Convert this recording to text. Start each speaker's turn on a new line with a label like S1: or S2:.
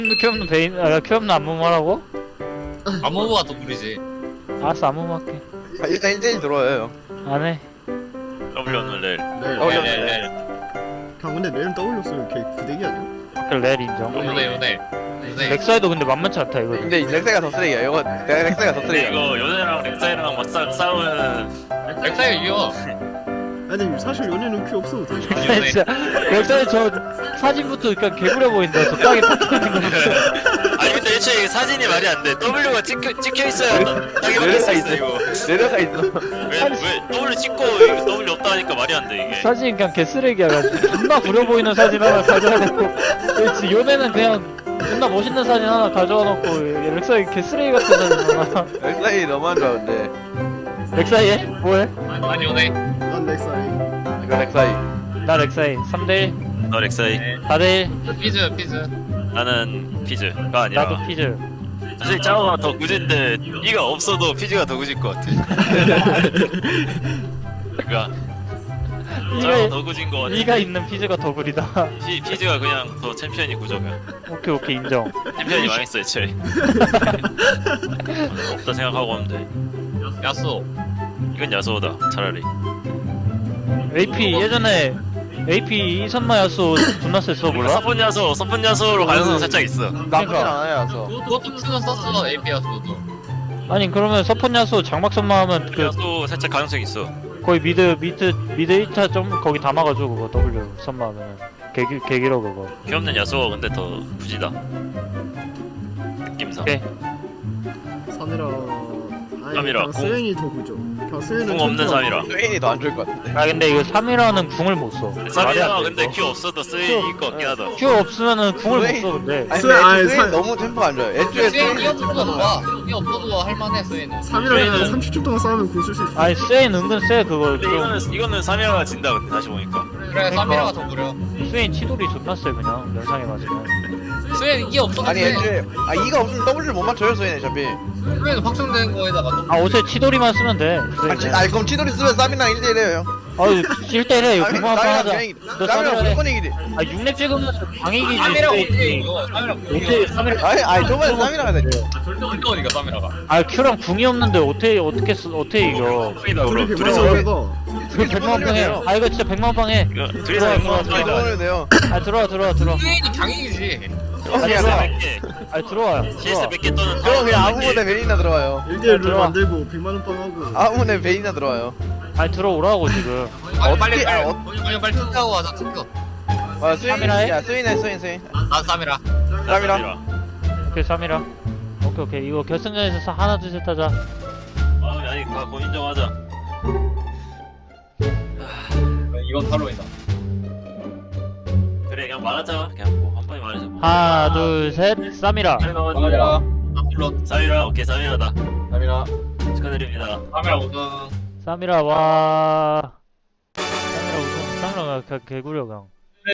S1: 큐업는 베인, 큐업는 안무하라고?
S2: 아무거가 더 구리지.
S1: 알았어, 안무 할게.
S3: 일단 1대1 들어와요.
S1: 안 해.
S4: W 없는 렐.
S3: 네.
S5: 형 근데 렐은 W 쓰면 걔 부대기 아니야?
S1: 렐 인정.
S2: 요네.
S1: 렉사이도 근데 만만치 않다, 이거.
S3: 근데 렉사이가 더 쓰레기야. 이거 내가 렉사이가 더
S4: 근데
S3: 쓰레기야.
S4: 이거 요네랑 렉사이랑 막 싸우면은
S2: 렉사이 이겨.
S5: 아니 사실 연애는 큐 없어도 돼.
S1: 진짜 렉사이 저 사진부터 그냥 개구려 보인다. 저 땅에 박혀있는 거 보니까.
S4: 아니 근데 애초에 사진이 말이 안 돼. W가 찍혀 있어야 딱이 박혀 있어 이거.
S3: 내려가 있어.
S4: 왜 W 찍고 이거 W 없다 하니까 말이 안 돼 이게.
S1: 사진 그냥 개쓰레기야. 존나 구려 보이는 사진 하나 가져와 놓고. 그렇지, 요네는 그냥 존나 멋있는 사진 하나 가져와 놓고 렉사이 개쓰레기 같은 사진 하나.
S3: 렉사이 너무한 줄 알았는데.
S1: 렉사이 해? 뭐해?
S2: 아니 요네.
S5: 난 렉사이.
S3: 이거 렉사이.
S1: 나 렉사이 3대1
S4: 너 렉사이.
S1: 4대1
S2: 피즈.
S4: 나는 피즈가 아니라.
S1: 나도 피즈.
S4: 사실 짜오가 더 구진데 이가 없어도 피즈가 더 구질 것 같아. 그러니까 짜오가 더 구진 것 같아.
S1: 이가 있는 피즈가 더 구리다.
S4: 피즈가 그냥 더 챔피언이 구조가.
S1: 오케이 인정.
S4: 챔피언이 망했어 애초에. 없다 생각하고 하면 돼.
S2: 야수.
S4: 이건 야소다 차라리.
S1: AP 예전에 AP 이선마 야수 존나 셌어 몰라?
S4: 서폰 야소로 가능성 살짝 있어.
S3: 나쁘진 않아요, 서
S2: 그것도 큐는 썼어 AP 야수도.
S1: 아니 그러면 서폰 야수 장막선마 하면 그
S4: 야소 살짝 가능성 있어.
S1: 거의 미드 1차 좀 거기 담아가지고 그거 W 선마 하면은 개길어 그거.
S4: 귀엽는 야소가 근데 더 부지다. 느낌상.
S1: 오케이.
S5: 사미라. 아니
S4: 사미라,
S5: 그냥
S4: 궁.
S5: 스웨인이 더 구죠. 그냥 스웨인은
S4: 궁 없는
S5: 챔피언.
S4: 사미라.
S3: 스웨인이 더 안 좋을 것 같은데.
S1: 아 근데 이거 3이라는 궁을 못 써. 말이
S4: 사미라
S1: 안 돼,
S4: 근데
S1: 이거.
S4: 큐 없어도 쓰일 것 같긴 하다.
S1: 큐 없으면은 궁을 못 써 근데.
S3: 아니
S5: 스웨인, 아니,
S3: 근데 스웨인
S5: 사-
S3: 너무 템포가 안 좋아요. 애초에
S2: 스웨인이
S3: 스웨인
S2: 없어도 좋아. 이 없어도 할만해 스웨인은.
S5: 사미라는 30초 동안 싸우면 궁 쓸 수 있어.
S1: 아니 스웨인 은근 세 그거.
S4: 근데 이거는 사미라가 진다 근데 다시 보니까.
S2: 그래 사미라가 더 구려.
S1: 스웨인 치돌이 존나 세 그냥 면상에 맞으면.
S2: 스웨인 이게 없어도
S3: 아니
S2: 돼.
S3: 애초에 이가 없으면 W를 못 맞춰요 스웨인 어차피.
S2: 스웨인은 확정된 거에다가 또.
S1: 아 옷에 치돌이만 쓰면 돼.
S3: 그럼 치돌이 쓰면 쌈이랑 1대1 해요.
S1: 아유 실대래 이거 그만 하자. 너
S3: 쌈이랑
S1: 사미라 해.
S3: 무조건 이기지.
S1: 아 6렙 찍으면 방이기지.
S2: 사미라가
S1: 스웨인이.
S2: 어떻게 이거? 사미라
S1: 어떻게 3일
S3: 아니 저번에 쌈이랑 하자.
S2: 어떻게 사미라가?
S1: 아 큐랑 궁이 없는데 어떻게 이겨?
S4: 다 그럼
S5: 그렇게
S4: 둘이서
S5: 말하면 해봐.
S1: 그 100만 방 해. 아 이거 진짜 100만 방 해.
S4: 이거 둘이서
S1: 들어와,
S4: 이거
S1: 들어와,
S4: 하자.
S3: 들어오면 돼요.
S1: 아 들어와.
S2: 스웨인이 강이지.
S4: CS
S1: 들어와.
S4: 100개.
S1: 아 들어와요.
S4: CS 100개 또는
S3: 저 그냥 아무거나 베인이나 들어와요.
S5: 1대1 룰
S1: 들어와.
S5: 만들고 100만 원 빵하고.
S3: 아무거나 베인이나 들어와요.
S1: 아니 들어오라고 지금.
S2: 빨리
S3: 어떻게-
S2: 투표하고 하자 투표.
S3: 스웨인.
S1: 쌈이라 해?
S3: 야 스웨인.
S2: 난 사미라.
S3: 쌈이라.
S1: 오케이 3이라. 오케이 이거 결승전에서 하나 둘 셋 하자.
S4: 아니 다 고인정하자.
S2: 이건 탈론이다.
S4: 그래 그냥 말하자. 그냥 뭐 한 번에 말하자. 뭐.
S1: 하나 둘 셋 3이라.
S2: 사미라. 탈론.
S4: 사미라 오케이 사미라다.
S3: 쌈이라.
S4: 축하드립니다.
S2: 사미라 우승.
S1: 3이라 와. 3이라 우승. 3이라 개구려 강.